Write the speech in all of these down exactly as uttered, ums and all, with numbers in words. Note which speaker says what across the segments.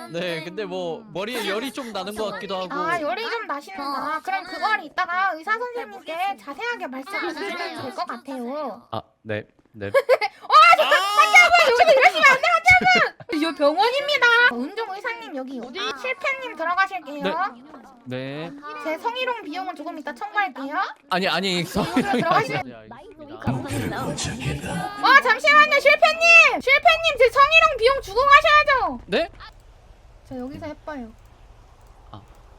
Speaker 1: 네, 근데 뭐 머리에 열이 좀 나는 것 같기도 하고.
Speaker 2: 아 열이 좀 나시는구나. 그럼 그걸 이따가 의사 선생님께 자세하게 말씀해주시면 될 것 같아요.
Speaker 1: 아, 네, 네.
Speaker 2: 여기 이러시면 안 돼, 환자분! 이 병원입니다. 은종 의사님 여기 실패님 들어가실게요.
Speaker 1: 네.
Speaker 2: 제 성희롱 비용은 조금 이따 청구할게요.
Speaker 1: 아니 아니
Speaker 2: 들어가시면-
Speaker 1: 감사합니다.
Speaker 2: 어 잠시만요 실패님! 실패님 제 성희롱 비용 주고 가셔야죠.
Speaker 1: 네?
Speaker 2: 저 여기서 해봐요.
Speaker 1: 아.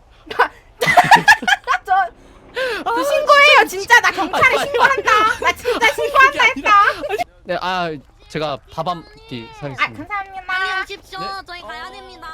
Speaker 2: 저, 저 신고해요 진짜. 나 경찰에 신고한다. 나 진짜 신고한다 했다.
Speaker 1: 네, 아 제가 밥 한 끼
Speaker 2: 아
Speaker 1: 사겠습니다.
Speaker 2: 감사합니다.
Speaker 3: 빨리 오십시오.
Speaker 1: 네.
Speaker 3: 저희 가야 됩니다.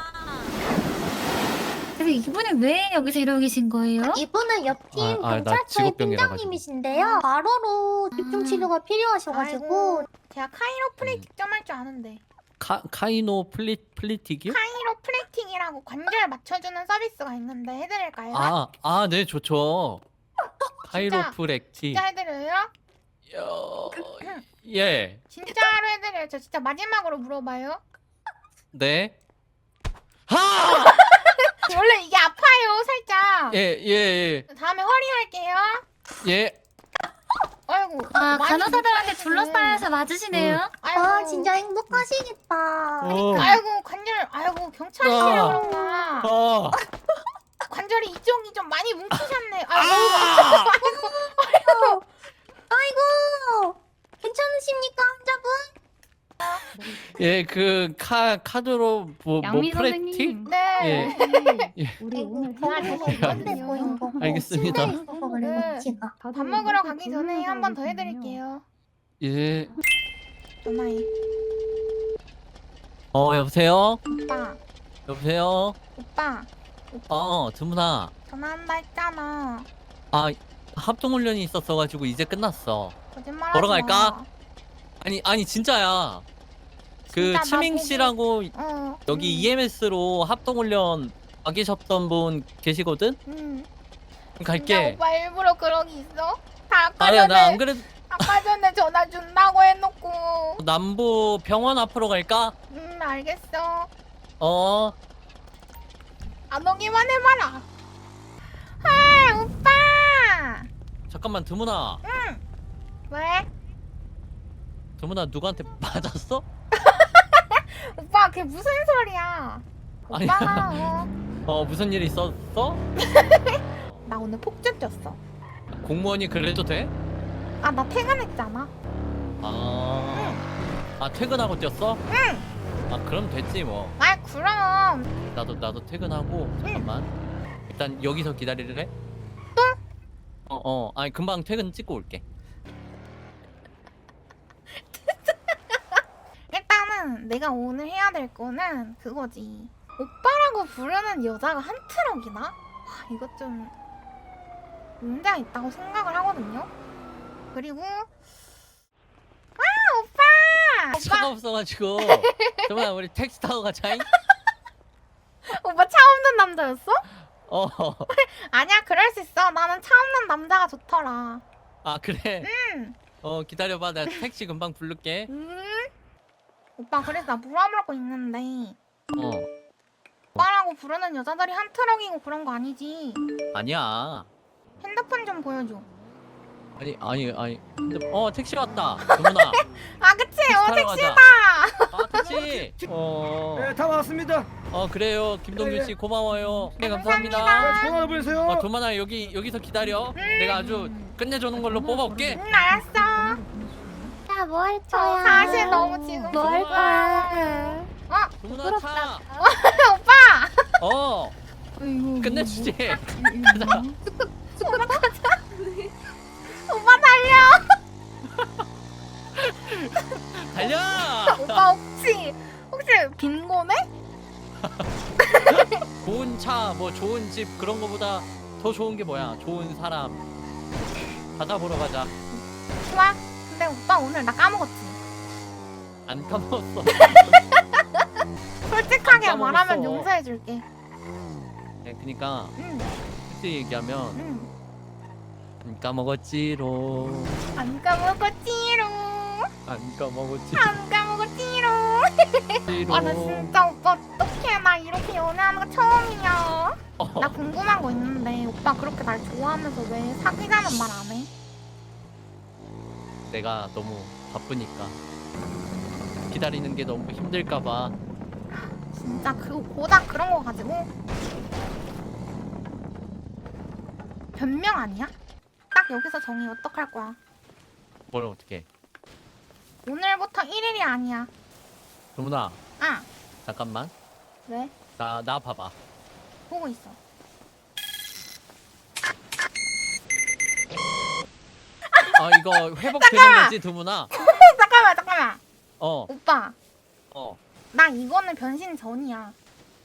Speaker 4: 근데 이분은 왜 여기서 이러고 계신 거예요?
Speaker 5: 이분은 옆팀
Speaker 1: 아, 아, 나
Speaker 5: 경찰서의
Speaker 1: 직업병이라
Speaker 5: 팀장님이신데요. 과로로 집중 치료가 필요하셔가지고
Speaker 2: 아이고, 제가 카이로프레틱 좀 할 줄 아는데.
Speaker 1: 카 카이노 플리 플리틱이요?
Speaker 2: 카이로프레틱이라고 관절 맞춰주는 서비스가 있는데 해드릴까요?
Speaker 1: 아, 아, 네, 좋죠. 카이로프렉틱.
Speaker 2: 진짜 해드려요?
Speaker 1: 어, 예.
Speaker 2: 진짜로 해드려요. 저 진짜 마지막으로 물어봐요.
Speaker 1: 네. 하!
Speaker 2: 원래 이게 아파요 살짝.
Speaker 1: 예, 예, 예.
Speaker 2: 다음에 허리 할게요.
Speaker 1: 예.
Speaker 2: 아이고.
Speaker 4: 아
Speaker 2: 많이
Speaker 4: 간호사들한테
Speaker 2: 불편하시네.
Speaker 4: 둘러싸여서 맞으시네요.
Speaker 2: 아이고.
Speaker 5: 아 진짜 행복하시겠다.
Speaker 1: 어.
Speaker 2: 아이고 관절. 아이고 경찰이시라
Speaker 1: 아.
Speaker 2: 그런가.
Speaker 1: 아.
Speaker 2: 관절이 이쪽이 좀 많이 뭉치셨네.
Speaker 1: 아!
Speaker 2: 아이고. 아이고.
Speaker 5: 아이고 괜찮으십니까 환자분?
Speaker 1: 예, 그 카 카드로 뭐, 뭐
Speaker 4: 양미
Speaker 1: 프렉틱?
Speaker 4: 선생님.
Speaker 2: 네.
Speaker 1: 예.
Speaker 4: 우리 오늘
Speaker 2: 대화를
Speaker 4: 해야
Speaker 2: 해야
Speaker 4: 될
Speaker 2: 되거든요.
Speaker 5: 보인 거.
Speaker 1: 알겠습니다.
Speaker 5: 침대에 있어서 그래
Speaker 2: 네.
Speaker 5: 제가.
Speaker 2: 밥 먹으러 가기 전에 한 번 더 해드릴게요.
Speaker 1: 예.
Speaker 2: 전화해.
Speaker 1: 어, 여보세요?
Speaker 2: 오빠.
Speaker 1: 여보세요?
Speaker 2: 오빠.
Speaker 1: 어, 드문아.
Speaker 2: 전화한다 했잖아.
Speaker 1: 아, 합동 훈련이 있었어 가지고 이제 끝났어.
Speaker 2: 거짓말하지
Speaker 1: 보러
Speaker 2: 마.
Speaker 1: 갈까? 아니, 아니 진짜야. 그
Speaker 2: 진짜 나
Speaker 1: 치밍
Speaker 2: 보고-
Speaker 1: 씨라고
Speaker 2: 어.
Speaker 1: 여기
Speaker 2: 음,
Speaker 1: 이엠에스로 합동 훈련 와 계셨던 분 계시거든?
Speaker 2: 음.
Speaker 1: 그럼 갈게.
Speaker 2: 오빠 일부러 그러기 있어? 다 아까
Speaker 1: 아니야, 나 안
Speaker 2: 전에
Speaker 1: 그래도
Speaker 2: 아까 전에 전화 준다고 해놓고.
Speaker 1: 남부 병원 앞으로 갈까?
Speaker 2: 음 알겠어.
Speaker 1: 어.
Speaker 2: 안 오기만 해봐라. 아 오빠.
Speaker 1: 잠깐만, 드문아.
Speaker 2: 왜?
Speaker 1: 드문아 누구한테 맞았어?
Speaker 2: 오빠 그게 무슨 소리야?
Speaker 1: 아니야.
Speaker 2: 오빠가 어,
Speaker 1: 어, 무슨 일 있었어?
Speaker 2: 나 오늘 폭주 뛰었어.
Speaker 1: 공무원이 그래도 돼?
Speaker 2: 아 나 퇴근했잖아.
Speaker 1: 아. 아, 퇴근하고 뛰었어?
Speaker 2: 응.
Speaker 1: 아, 그럼 됐지 뭐.
Speaker 2: 아이 그럼.
Speaker 1: 나도 나도 퇴근하고 잠깐만. 일단 여기서 기다릴래?
Speaker 2: 또?
Speaker 1: 어, 어. 아니 금방 퇴근 찍고 올게.
Speaker 2: 일단은 내가 오늘 해야 될 거는 그거지. 오빠라고 부르는 여자가 한 트럭이나? 와, 이거 좀 문제가 있다고 생각을 하거든요. 그리고 아 오빠!
Speaker 1: 차가
Speaker 2: 오빠!
Speaker 1: 없어가지고. 드문아 우리 택시 타고 가자잉.
Speaker 2: 오빠 차 없는 남자였어?
Speaker 1: 어.
Speaker 2: 아니야 그럴 수 있어. 나는 차 없는 남자가 좋더라.
Speaker 1: 아 그래.
Speaker 2: 응.
Speaker 1: 어 기다려봐. 나 택시 금방 부를게.
Speaker 2: 음? 오빠 그래서 나 물어보고 있는데
Speaker 1: 어.
Speaker 2: 오빠라고 부르는 여자들이 한 트럭이고 그런 거 아니지?
Speaker 1: 아니야.
Speaker 2: 핸드폰 좀 보여줘.
Speaker 1: 아니 아니 아니. 근데 어 택시 왔다. 드문아.
Speaker 2: 아 그치? 어
Speaker 1: 타러 가자.
Speaker 2: 택시다!
Speaker 1: 아 택시. 어.
Speaker 6: 네, 다 왔습니다.
Speaker 1: 어 그래요. 김동균 씨 고마워요. 네
Speaker 2: 감사합니다.
Speaker 1: 감사합니다.
Speaker 6: 네, 전화 보내세요.
Speaker 1: 어 도만아 여기 여기서 기다려. 내가 아주 끝내주는 걸로 뽑아올게.
Speaker 2: 응 알았어.
Speaker 5: 야 뭐 할
Speaker 2: 저
Speaker 5: 거야?
Speaker 2: 사실 너무 지금
Speaker 5: 뭐 할 거야?
Speaker 2: 거야? 어?
Speaker 1: 도문아 차.
Speaker 2: 오빠!
Speaker 1: 어. 끝내주지. 가자.
Speaker 2: 오빠 가자. 오빠 달려!
Speaker 1: 달려.
Speaker 2: 오빠 혹시 혹시 빈곤해?
Speaker 1: 좋은 차, 뭐 좋은 집 그런 거보다 더 좋은 게 뭐야? 좋은 사람. 바다 보러 가자.
Speaker 2: 좋아. 근데 오빠 오늘 나 까먹었지?
Speaker 1: 안 까먹었어.
Speaker 2: 솔직하게
Speaker 1: 안 까먹었어.
Speaker 2: 말하면 용서해줄게.
Speaker 1: 네, 그니까
Speaker 2: 응,
Speaker 1: 솔직히 얘기하면
Speaker 2: 응.
Speaker 1: 안 까먹었지로.
Speaker 2: 안 까먹었지롱.
Speaker 1: 안 까먹었지.
Speaker 2: 안 까먹었지롱. 아 나 진짜 오빠 어떡해. 나 이렇게
Speaker 1: 어.
Speaker 2: 나 궁금한 거 있는데 오빠 그렇게 날 좋아하면서 왜 사귀자는 말 안 해?
Speaker 1: 내가 너무 바쁘니까 기다리는 게 너무 힘들까봐.
Speaker 2: 진짜 그 고작 그런 거 가지고 변명 아니야? 딱 여기서 정의 어떡할 거야?
Speaker 1: 뭘 어떻게?
Speaker 2: 오늘부터 일 일이 아니야.
Speaker 1: 두문아
Speaker 2: 아,
Speaker 1: 잠깐만.
Speaker 2: 왜?
Speaker 1: 나 나 봐봐.
Speaker 2: 보고 있어.
Speaker 1: 아 이거 회복되는 거지 두문아?
Speaker 2: 잠깐만, 잠깐만.
Speaker 1: 어
Speaker 2: 오빠,
Speaker 1: 어.
Speaker 2: 나 이거는 변신 전이야.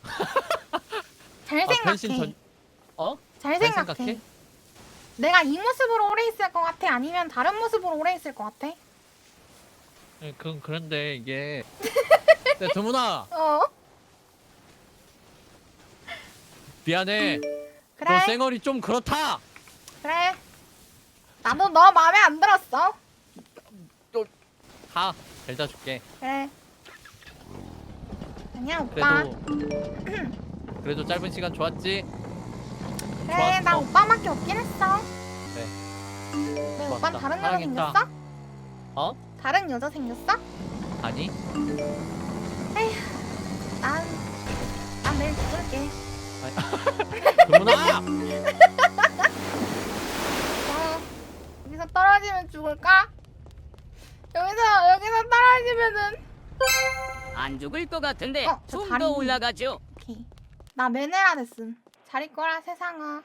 Speaker 2: 잘
Speaker 1: 아,
Speaker 2: 생각해.
Speaker 1: 변신 전. 어?
Speaker 2: 잘
Speaker 1: 잘
Speaker 2: 생각해.
Speaker 1: 생각해?
Speaker 2: 내가 이 모습으로 오래 있을 것 같아? 아니면 다른 모습으로 오래 있을 것 같아?
Speaker 1: 네, 그 그런데 이게. 네, 두문아
Speaker 2: 어?
Speaker 1: 미안해.
Speaker 2: 그래,
Speaker 1: 너 쌩얼이 좀 그렇다.
Speaker 2: 그래. 나도 너 마음에 안 들었어.
Speaker 1: 가. 데려다 줄게.
Speaker 2: 그래. 아니야, 오빠.
Speaker 1: 그래도 그래도 짧은 시간 좋았지?
Speaker 2: 그래, 나
Speaker 1: 좋았어.
Speaker 2: 오빠밖에 없긴 했어.
Speaker 1: 그래.
Speaker 2: 왜 오빤
Speaker 1: 좋았다.
Speaker 2: 다른 여자
Speaker 1: 사랑했다.
Speaker 2: 생겼어?
Speaker 1: 어?
Speaker 2: 다른 여자 생겼어?
Speaker 1: 아니?
Speaker 2: 난, 난 내일 죽을게.
Speaker 1: 두문아!
Speaker 2: 어, 여기서 떨어지면 죽을까? 여기서, 여기서 떨어지면은.
Speaker 3: 안 죽을 것 같은데
Speaker 2: 어, 저
Speaker 3: 좀
Speaker 2: 다리.
Speaker 3: 더 올라가죠.
Speaker 2: 오케이. 나 메네라 됐음. 잘 있거라, 세상아.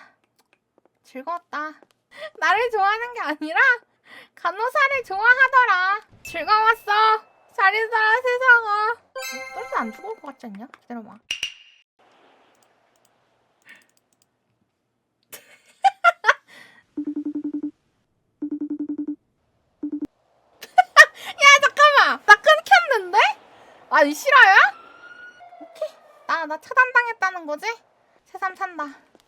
Speaker 2: 즐거웠다. 나를 좋아하는 게 아니라 간호사를 좋아하더라. 즐거웠어. 잘 있어라, 세상아. 떨어져 안 죽을 것 같지 않냐? 기다려봐. 야, 잠깐만. 나 끊겼는데? 아니, 싫어요? 오케이. 나, 나 차단당했다는 거지? 새삼 찬다.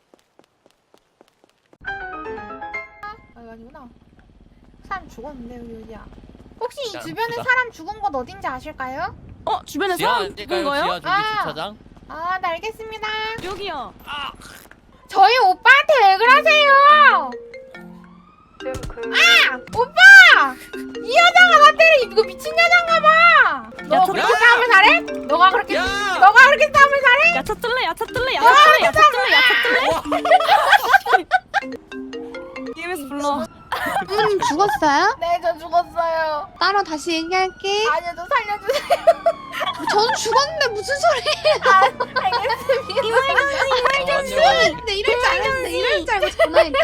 Speaker 2: 아, 이거 아니구나. 사람 죽었는데, 여기 어디야? 혹시 이
Speaker 1: 야,
Speaker 2: 주변에
Speaker 1: 보자.
Speaker 2: 사람 죽은 곳 어딘지 아실까요?
Speaker 6: 어 주변에
Speaker 1: 지하
Speaker 6: 사람 죽은
Speaker 1: 아닐까요?
Speaker 6: 거요?
Speaker 1: 지하 주기
Speaker 2: 아.
Speaker 1: 주차장?
Speaker 2: 아, 네, 알겠습니다.
Speaker 6: 여기요.
Speaker 2: 저희 오빠한테 왜 그러세요? 아! 오빠! 이 여자가 나 때려! 이거 미친 여잔가 봐! 너
Speaker 6: 야,
Speaker 2: 그렇게
Speaker 1: 야!
Speaker 2: 싸움을 잘해? 너가 그렇게
Speaker 1: 야!
Speaker 2: 너가 그렇게 싸움을 잘해?
Speaker 6: 야차 뜰래 야차 뜰래
Speaker 2: 야,
Speaker 6: 야차 뜰래 야차 뜰래 야차 뜰래. 이엠에스 불러.
Speaker 5: 부모님 죽었어요?
Speaker 2: 네, 저 죽었어요.
Speaker 5: 따로 다시 얘기할게.
Speaker 2: 아니요, 저 살려주세요.
Speaker 5: 저는 죽었는데 무슨 소리예요?
Speaker 2: 아, 알겠습니다.
Speaker 1: 이말전지!
Speaker 5: 근데 이럴 줄 알았는데 이럴 줄 알고 전화했다.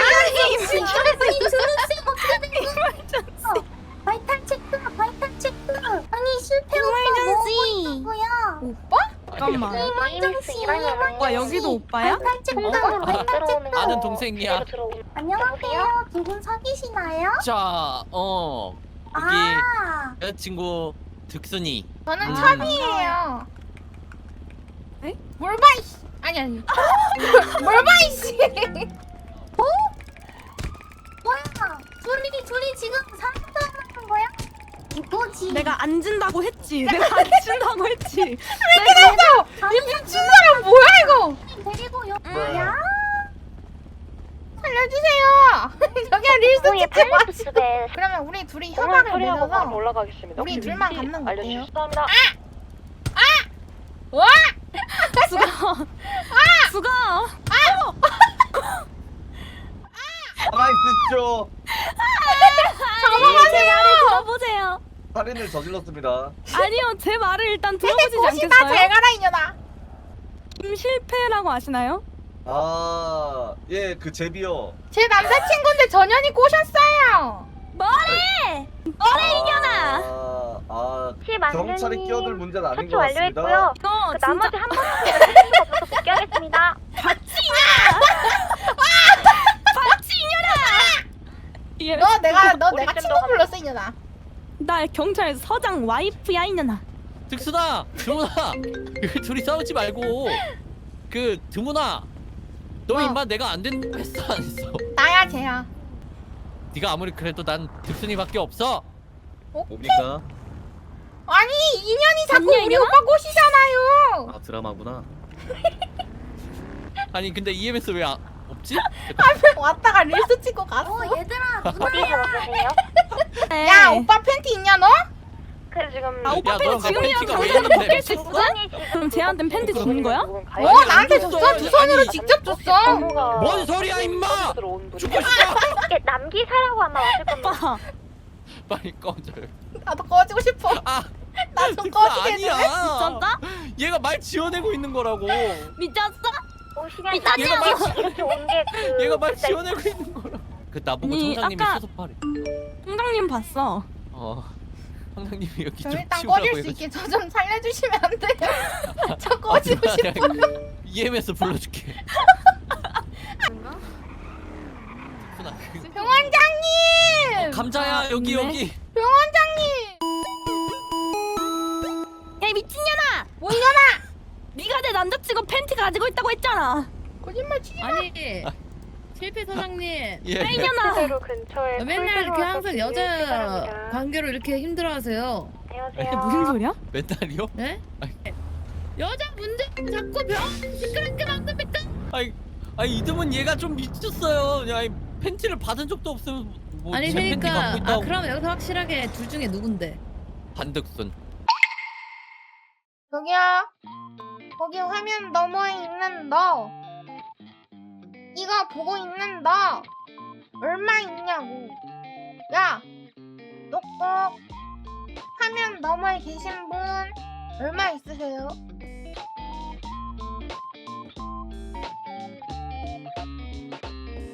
Speaker 5: 바이탈 체크, 바이탈 체크. 아니 실패 오빠 뭐 있고요.
Speaker 2: 오빠?
Speaker 6: 잠깐만.
Speaker 5: 이만정씨,
Speaker 6: 와 여기도 오빠야?
Speaker 5: 바이탈 체크,
Speaker 1: 어?
Speaker 5: 바이탈 체크.
Speaker 1: 아는 동생이야.
Speaker 5: 안녕하세요. 두 분 사귀시나요?
Speaker 1: 자, 어 여기
Speaker 5: 아,
Speaker 1: 여자친구 득순이.
Speaker 2: 저는
Speaker 1: 음.
Speaker 2: 첩이에요.
Speaker 6: 에?
Speaker 2: 뭘 봐, 이씨. 아니, 아니. 뭘 봐, 이씨.
Speaker 5: 뭐야? 둘이 둘이 지금 상담하는 거야? 이거지.
Speaker 6: 내가 앉은다고 했지. 내가 앉은다고 했지.
Speaker 2: 그래서 이 미친 사람 뭐야, 이거?
Speaker 5: 데리고 여기야?
Speaker 2: 살려주세요. 저기 릴스 찍지 마.
Speaker 7: 팔레프스에
Speaker 2: 그러면 우리 둘이
Speaker 7: 오늘
Speaker 2: 협약을
Speaker 7: 처리하고 바로
Speaker 2: 맺어서
Speaker 7: 올라가겠습니다.
Speaker 2: 우리
Speaker 7: 혹시
Speaker 2: 둘만
Speaker 7: 위치
Speaker 2: 갖는 거
Speaker 7: 알려주시죠.
Speaker 2: 어때요?
Speaker 7: 감사합니다.
Speaker 6: 수가. 수가.
Speaker 8: 가만히 있으시죠.
Speaker 6: 제 말을 들어보세요.
Speaker 8: 살인을 저질렀습니다.
Speaker 6: 아니요 제 말을 일단 들어보시지
Speaker 2: 옷이다,
Speaker 6: 않겠어요?
Speaker 2: 잘 가라, 이년아.
Speaker 6: 김실패라고 아시나요?
Speaker 8: 아, 예, 그 제비요.
Speaker 2: 제 남자친구인데 전현이 꼬셨어요.
Speaker 6: 뭐래?
Speaker 8: 어레 이겨나. 아, 아,
Speaker 7: 혹시
Speaker 8: 경찰이
Speaker 7: 만드님
Speaker 8: 끼어들 문제는 아닌
Speaker 7: 처치
Speaker 8: 것 같습니다.
Speaker 7: 완료했고요.
Speaker 6: 이거
Speaker 7: 그
Speaker 6: 진짜
Speaker 7: 나머지 한 번만 더 해줄 수가 없어서 복귀하겠습니다.
Speaker 6: 예,
Speaker 2: 너 내가 너
Speaker 7: 우리
Speaker 2: 내가
Speaker 7: 좀
Speaker 2: 친구
Speaker 7: 더
Speaker 2: 불렀어, 이년아.
Speaker 6: 나 경찰 서장 와이프야 이년아.
Speaker 1: 득순아! 드문아! 그 둘이 싸우지 말고 그 드문아! 너
Speaker 2: 어.
Speaker 1: 임마 내가 안 된다고 했어 안 했어?
Speaker 2: 나야, 쟤야.
Speaker 1: 네가 아무리 그래도 난 득순이밖에 없어!
Speaker 8: 뭡니까?
Speaker 2: 아니, 이년이 자꾸
Speaker 6: 봤냐,
Speaker 2: 우리
Speaker 6: 이년아?
Speaker 2: 오빠 꼬시잖아요.
Speaker 8: 아, 드라마구나.
Speaker 1: 아니 근데 이엠에스 왜 아, 없지?
Speaker 2: 왔다가 릴스 찍고 갔어.
Speaker 5: 어 얘들아
Speaker 7: 어디서
Speaker 5: 누나야.
Speaker 7: 오세요?
Speaker 2: 야 오빠 팬티 있냐 너?
Speaker 7: 그 지금
Speaker 6: 아, 오빠
Speaker 1: 야,
Speaker 6: 팬티
Speaker 1: 너랑 나
Speaker 6: 지금이랑
Speaker 1: 팬티가 왜
Speaker 6: 당장
Speaker 1: 있는데?
Speaker 6: 벗길 수 있어? 그럼 쟤한텐 팬티 주는 거야?
Speaker 2: 어 나한테 줬어. 두 손으로
Speaker 1: 아니,
Speaker 2: 직접 줬어.
Speaker 1: 뭔 소리야 임마! 죽고 싶어!
Speaker 7: 남기사라고 아마 왔을 겁니다.
Speaker 6: 오빠
Speaker 1: 빨리 꺼져요.
Speaker 2: 나도 꺼지고 싶어.
Speaker 1: 아!
Speaker 2: 나 좀
Speaker 1: 진짜
Speaker 2: 꺼지게 해줄래?
Speaker 1: 아니야!
Speaker 6: 미쳤다?
Speaker 1: 얘가 말 지어내고 있는 거라고.
Speaker 6: 미쳤어?
Speaker 7: 오시면
Speaker 6: 얘가
Speaker 1: 말
Speaker 7: 이렇게 온게그
Speaker 1: 얘가 말 지어내고 있는 거라고. 그 나보고
Speaker 6: 아니,
Speaker 1: 청장님이
Speaker 6: 아까-
Speaker 1: 수습하래.
Speaker 6: 통장님 봤어.
Speaker 1: 어. 청장님이 여기
Speaker 2: 저
Speaker 1: 좀
Speaker 2: 일단
Speaker 1: 치우라고
Speaker 2: 꺼질 수
Speaker 1: 해가지고.
Speaker 2: 있게 저 좀 살려주시면 안 돼요? 저
Speaker 1: 아,
Speaker 2: 꺼지고
Speaker 1: 내가
Speaker 2: 싶어.
Speaker 1: 이엠에스 불러줄게.
Speaker 2: 병원장님!
Speaker 1: 감자야 여기
Speaker 6: 네.
Speaker 1: 여기.
Speaker 2: 병원장님!
Speaker 6: 야, 이 미친년아!
Speaker 2: 뭐 이거나!
Speaker 6: 네가 내 남자친구 팬티 가지고 있다고 했잖아.
Speaker 2: 거짓말 치지 마.
Speaker 9: 아니 실패 사장님
Speaker 1: 예.
Speaker 6: 이년아.
Speaker 7: 그대로 근처에
Speaker 9: 맨날 이렇게 항상 여자 관계로 이렇게 힘들어하세요.
Speaker 7: 안녕하세요.
Speaker 6: 무슨 소리야?
Speaker 1: 맨날이요?
Speaker 9: 네?
Speaker 1: 아이.
Speaker 9: 여자 문제 자꾸 병 시끄럽게 만듭니까?
Speaker 1: 아이, 아니 이듬은 얘가 좀 미쳤어요. 야, 이 팬티를 받은 적도 없으면 뭐
Speaker 9: 아니
Speaker 1: 제 팬티
Speaker 9: 그러니까
Speaker 1: 갖고
Speaker 9: 아
Speaker 1: 있다고.
Speaker 9: 그럼 여기서 확실하게 둘 중에 누군데?
Speaker 1: 반득순.
Speaker 2: 저기요. 거기 화면 너머에 있는 너. 이거 보고 있는 너. 얼마 있냐고. 야. 똑똑. 화면 너머에 계신 분. 얼마 있으세요?